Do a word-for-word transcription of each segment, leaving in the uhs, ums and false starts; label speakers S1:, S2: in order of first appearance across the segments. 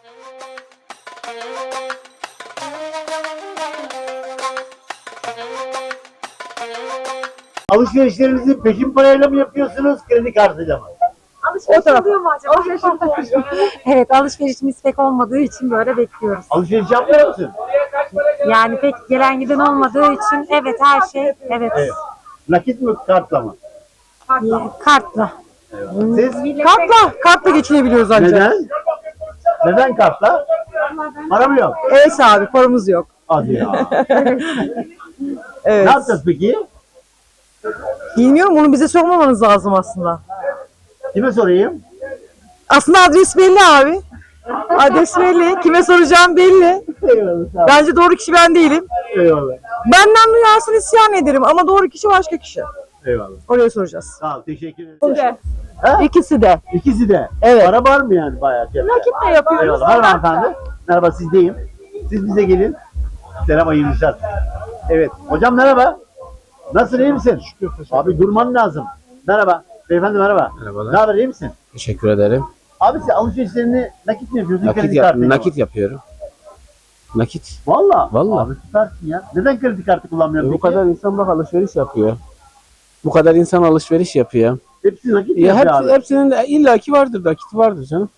S1: Alışverişlerinizi peşin parayla mı yapıyorsunuz, kredi kartıyla mı?
S2: Alışveriş oluyor mu acaba? Alışveriş oluyor. Evet, alışverişimiz pek olmadığı için böyle bekliyoruz.
S1: Alışveriş yapmıyor musun?
S2: Yani pek gelen giden olmadığı için evet her şey evet.
S1: Evet. Nakit mi, kartla mı?
S2: Kartla.
S1: Siz?
S3: Kartla, kartla geçinebiliyoruz ancak.
S1: Neden? Neden kartla? Para mı yok?
S3: Evet abi, paramız yok.
S1: Hadi ya.
S3: Evet.
S1: Ne yapacağız peki?
S3: Bilmiyorum, bunu bize sormamanız lazım aslında.
S1: Kime sorayım?
S3: Aslında adres belli abi. Adres belli. Kime soracağım belli.
S1: Eyvallah. Sağ ol.
S3: Bence doğru kişi ben değilim.
S1: Eyvallah.
S3: Benden duyarsın isyan ederim ama doğru kişi başka kişi.
S1: Eyvallah.
S3: Oraya soracağız.
S1: Sağ ol. Teşekkür ederim.
S3: İkisi de.
S1: İkisi de.
S3: Evet.
S1: Para var mı yani bayağı?
S2: Nakit de yapıyoruz.
S1: Eyvallah. Merhaba hanımefendi. Merhaba, sizdeyim. Siz bize gelin. Selam, hayırlı işler. Evet. Hocam merhaba. Nasılsın, iyi misin? Abi durman lazım. Merhaba. Beyefendi merhaba.
S4: Merhabalar.
S1: Ne haber, iyi misin?
S4: Teşekkür ederim.
S1: Abi sen alışverişlerini nakit mi yapıyorsun?
S4: Nakit,
S1: kredi
S4: yap-
S1: kartıyla mı?
S4: nakit yapıyorum. Nakit.
S1: Valla.
S4: Vallahi.
S1: Abi süpersin ya. Neden kredi kartı kullanmıyorsun
S4: E, bu
S1: peki?
S4: kadar insan bak alışveriş yapıyor. Bu kadar insan alışveriş yapıyor.
S1: Hepsi nakit mi
S4: Ya
S1: yapıyor
S4: hepsi,
S1: abi?
S4: hepsinin de illaki vardır, nakiti vardır canım.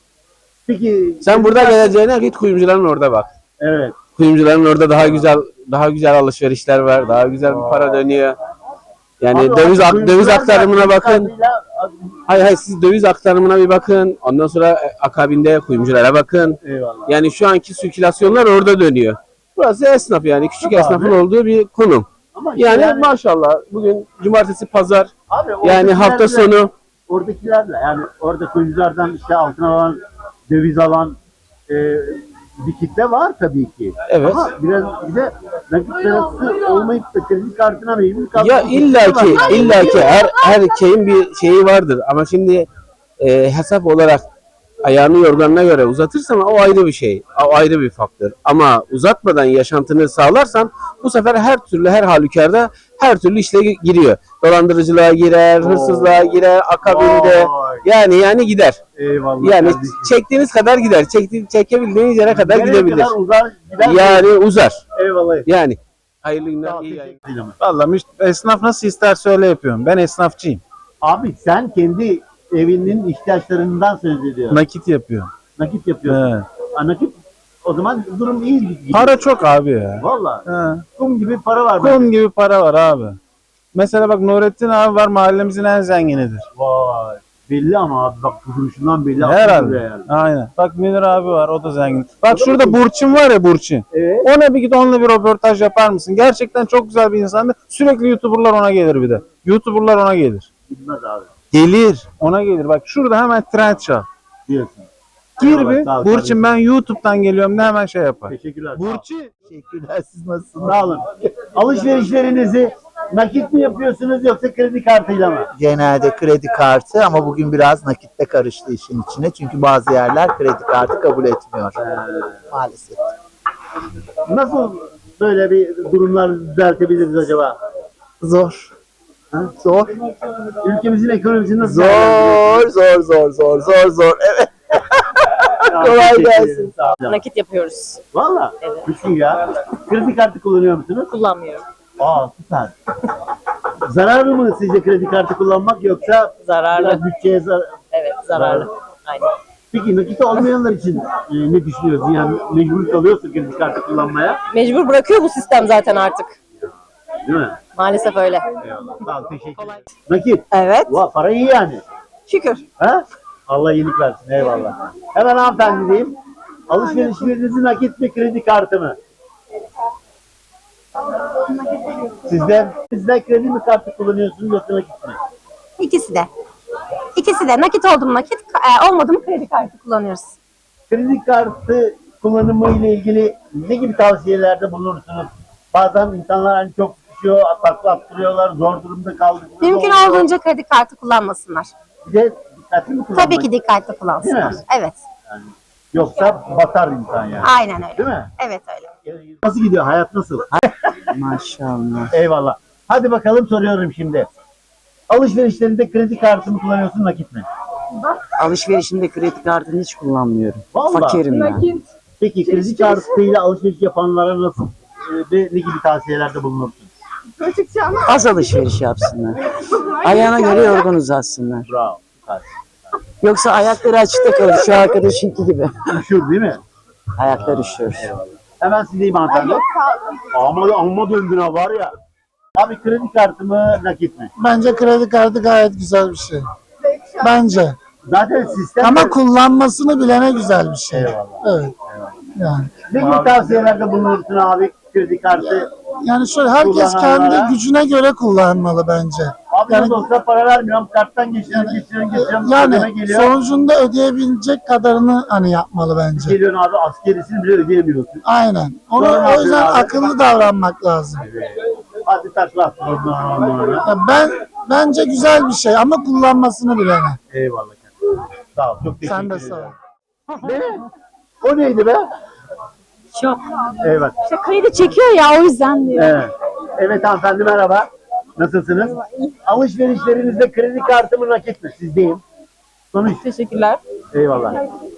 S1: Peki.
S4: Sen
S1: kredi
S4: burada
S1: kartı-
S4: geleceğine git kuyumcuların orada bak.
S1: Evet.
S4: Kuyumcuların orada daha güzel daha güzel alışverişler var. Daha güzel bir para dönüyor. Yani
S1: Abi,
S4: döviz
S1: abi,
S4: ak- döviz
S1: kuyumcular da
S4: aktarımına
S1: kredi
S4: bakın.
S1: kartıyla-
S4: Hayır hayır siz döviz aktarımına bir bakın. Ondan sonra e, akabinde kuyumculara bakın.
S1: Eyvallah.
S4: Yani şu anki sirkülasyonlar orada dönüyor. Burası esnaf yani küçük
S1: Tabii
S4: esnafın
S1: abi.
S4: olduğu bir konum.
S1: Ama işte
S4: Yani,
S1: yani,
S4: maşallah bugün cumartesi pazar
S1: abi,
S4: yani
S1: oradakilerle-
S4: hafta sonu
S1: Oradakilerle yani orada kuyumculardan işte altın alan, döviz alan e, bir kitle var tabii ki.
S4: evet.
S1: Ama biraz bir de nakit parası olmayıp da kredi kartına mecbur kalmış.
S4: Ya
S1: bir kitle
S4: illaki
S1: var.
S4: illaki her her şeyin bir şeyi vardır ama şimdi e, hesap olarak ayağını yorganına göre uzatırsan o ayrı bir şey. O ayrı bir faktör. Ama uzatmadan yaşantını sağlarsan bu sefer her türlü her halükarda her türlü işle giriyor. Dolandırıcılığa girer, hırsızlığa girer, akabinde
S1: Vay.
S4: yani yani gider.
S1: Eyvallah.
S4: Yani
S1: kardeşim.
S4: çektiğiniz kadar gider. Çekti, çekebildiğiniz yere kadar
S1: Nereye
S4: gidebilir.
S1: kadar uzar gider mi?
S4: Yani uzar.
S1: Eyvallah.
S4: Yani hayırlı günler.
S1: Sağ ol,
S4: iyi
S1: teşekkür
S4: yayınlar.
S1: ederim.
S5: Vallahi müş- esnaf nasıl isterse öyle yapıyorum. Ben esnafçıyım.
S1: Abi sen kendi evinin ihtiyaçlarından söz ediyorsun.
S5: Nakit yapıyorum.
S1: Nakit yapıyorsun.
S5: He.
S1: Ha, nakit o zaman durum iyi gidiyor.
S5: Para çok abi ya.
S1: Valla.
S5: He.
S1: Kum gibi para var. bende.
S5: Kum gibi para var abi. Mesela bak Nurettin abi var, mahallemizin en zenginidir.
S1: Vay. Belli ama abi bak duruşundan belli.
S5: Herhalde.
S1: Yani.
S5: Aynen. Bak Münir abi var, o da zengin. Bak
S1: O da
S5: şurada
S1: mı?
S5: Burçin var ya, Burçin.
S1: Evet.
S5: Ona bir git, onunla bir röportaj yapar mısın? Gerçekten çok güzel bir insandı. Sürekli YouTuber'lar ona gelir bir de. YouTuber'lar ona gelir.
S1: Bilmez abi
S5: Gelir. Ona gelir. Bak şurada hemen trend çal.
S1: diyorsun.
S5: Gir
S1: Eyvallah,
S5: bir.
S1: sağ ol
S5: Burçin
S1: kardeşim.
S5: ben YouTube'dan geliyorum de hemen şey yapar.
S1: Teşekkürler. sağ ol.
S5: Burçin.
S1: Teşekkürler. Siz nasılsınız? Sağ olun. Alışverişlerinizi nakit mi yapıyorsunuz yoksa kredi kartıyla mı?
S6: Genelde kredi kartı ama bugün biraz nakitle karıştı işin içine. Çünkü bazı yerler kredi kartı kabul etmiyor. Maalesef.
S1: Nasıl böyle bir durumlar düzeltebiliriz acaba?
S6: Zor. Ha? Zor.
S1: Ülkemizin ekonomisini nasıl
S6: Zor, zor, zor, zor, zor, zor. Evet. kolay
S1: Teşekkür
S6: gelsin.
S1: ederim, sağ olun.
S2: Nakit yapıyoruz.
S1: Valla. Düşün ya. Kredi kartı kullanıyor musunuz?
S2: Kullanmıyorum.
S1: Aa süper. Zararlı mı sizce kredi kartı kullanmak yoksa
S2: Zararlı.
S1: biraz bütçeye zarar?
S2: Evet, zararlı. Aynen.
S1: Peki nakit olmayanlar için e, ne düşünüyorsun? Yani mecbur kalıyorsun kredi kartı kullanmaya.
S2: Mecbur bırakıyor bu sistem zaten artık.
S1: Değil mi?
S2: Maalesef öyle.
S1: Eyvallah. Sağ ol, teşekkür ederim. Nakit.
S3: Evet.
S1: Va, para iyi yani.
S3: Şükür.
S1: Ha? Allah iyilik versin. Eyvallah. Hemen hanımefendi diyeyim. Alışverişlerinizi nakit mi kredi kartı mı? Sizden, sizden kredi mi kartı kullanıyorsunuz yoksa nakit mi?
S2: İkisi de. İkisi de. Nakit oldu mu nakit, e, olmadı mı kredi kartı kullanıyoruz.
S1: Kredi kartı kullanımı ile ilgili ne gibi tavsiyelerde bulunursunuz? Bazen insanlar hani çok düşüyor, takla attırıyorlar, zor durumda kaldıkları
S2: Mümkün
S1: oluyor.
S2: olduğunca kredi kartı kullanmasınlar.
S1: Bir de dikkatli mi kullanmak?
S2: Tabii ki dikkatli kullansınlar.
S1: Değil mi?
S2: Evet.
S1: Yani, yoksa batar insan yani.
S2: Aynen öyle.
S1: Değil mi?
S2: Evet öyle.
S1: Nasıl gidiyor? Hayat nasıl?
S6: Maşallah.
S1: Eyvallah. Hadi bakalım soruyorum şimdi. Alışverişlerinde kredi kartı mı kullanıyorsun nakit mi?
S7: Alışverişimde kredi kartını hiç kullanmıyorum.
S1: Vallahi.
S7: Fakirim ben.
S1: Peki kredi kartıyla alışveriş yapanlara nasıl e, ve ne gibi tavsiyelerde bulunursun?
S7: Az alışveriş yapsınlar. Ayağına göre yorgun uzatsınlar.
S1: Bravo. Süper.
S7: Yoksa ayakları açıkta kalır. Şu arkadaşınki gibi.
S1: Üşür değil mi?
S7: Ayaklar üşüyor.
S1: Hemen sizdeyim hanımefendi. Amma, amma döndün ha var ya. Abi kredi kartı mı nakit mi?
S8: Bence kredi kartı gayet güzel bir şey. Bence.
S1: Zaten sistem...
S8: Ama kullanmasını bilene güzel bir şey.
S1: Eyvallah.
S8: Evet. Yani.
S1: Ne gibi tavsiyelerde bulunursun abi kredi kartı?
S8: Yani şöyle herkes
S1: Kullananlara-
S8: kendi gücüne göre kullanmalı bence.
S1: Abi
S8: Yani-
S1: yani, olsa para vermiyorum. Karttan geçiriyorum, geçiriyorum, geçiriyorum. ödeme
S8: Yani
S1: geliyor.
S8: sonucunda ödeyebilecek kadarını hani yapmalı bence.
S1: Geliyorsun abi askerisini bile ödeyemiyorsun.
S8: Aynen. Onu,
S1: Doğru
S8: o yüzden
S1: abi.
S8: akıllı davranmak lazım.
S1: Hadi takla. Ondan ondan.
S8: Ya Ben bence güzel bir şey ama kullanmasını bilene.
S1: Eyvallah. Sağ ol. Çok teşekkür
S8: Sen de
S1: ederim.
S8: sağ ol.
S1: Ne? O neydi be?
S2: Çok.
S1: Evet.
S2: İşte kredi çekiyor ya o yüzden diyor.
S1: Evet. Evet hanımefendi merhaba. Nasılsınız? Alışverişlerinizde kredi kartı mı nakit mi? Sizdeyim. Sonuç.
S2: Teşekkürler.
S1: Eyvallah.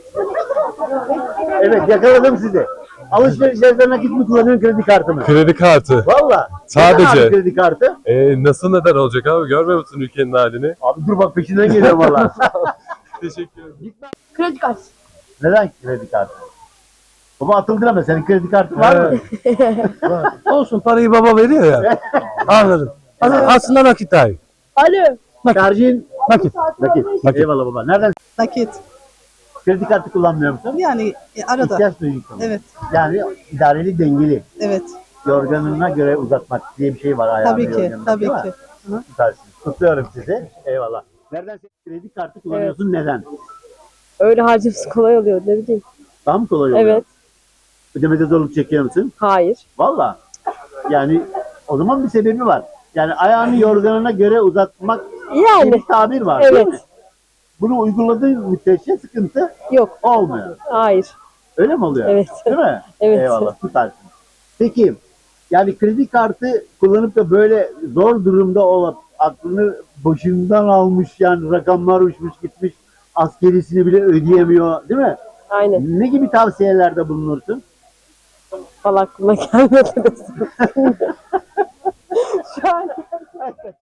S1: Evet yakaladım sizi. Alışverişlerde nakit mi kullanıyorsun kredi kartı mı?
S9: Kredi kartı.
S1: Valla.
S9: Sadece.
S1: Neden abi kredi kartı?
S9: Ee, nasıl neden olacak abi? Görmüyor musun ülkenin halini?
S1: Abi dur bak peşinden geliyorum valla.
S9: Teşekkür ederim.
S2: Kredi kartı.
S1: Neden kredi kartı? Baba atıldı ama senin kredi kartın var mı?
S10: Olsun parayı baba veriyor ya. Anladım. Aslında nakit dahi.
S2: Alo.
S1: Tercihin
S10: Nakit.
S1: nakit. Eyvallah baba. Nereden?
S11: Nakit.
S1: Kredi kartı kullanmıyor musun?
S11: Yani e, arada.
S1: İhtiyaç duyuyorsun.
S11: Evet.
S1: Yani idareli dengeli.
S11: Evet.
S1: Yorganına göre uzatmak diye bir şey var ayağını
S11: Tabii ki.
S1: yorganına,
S11: Tabii
S1: değil mi?
S11: ki. Hı.
S1: Süpersiniz. Kutluyorum sizi. Eyvallah. Nereden kredi kartı kullanıyorsun? Neden?
S2: Öyle harcaması kolay oluyor ne bileyim.
S1: Daha mı kolay oluyor?
S2: Evet.
S1: Ödemede zorluk çekiyor musun?
S2: Hayır.
S1: Valla. Yani o zaman bir sebebi var. Yani ayağını yorganına göre uzatmak diye
S2: Yani.
S1: bir tabir var değil
S2: Evet.
S1: mi? Bunu uyguladığın müddetçe sıkıntı
S2: Yok.
S1: olmuyor.
S2: Hayır.
S1: Öyle mi oluyor?
S2: Evet.
S1: Değil mi?
S2: Evet.
S1: Eyvallah. Süpersin. Peki yani kredi kartı kullanıp da böyle zor durumda olup aklını başından almış yani rakamlar uçmuş gitmiş askerisini bile ödeyemiyor değil mi?
S2: Aynen.
S1: Ne gibi tavsiyelerde bulunursun?
S2: Valla aklıma gelmedi. Şu an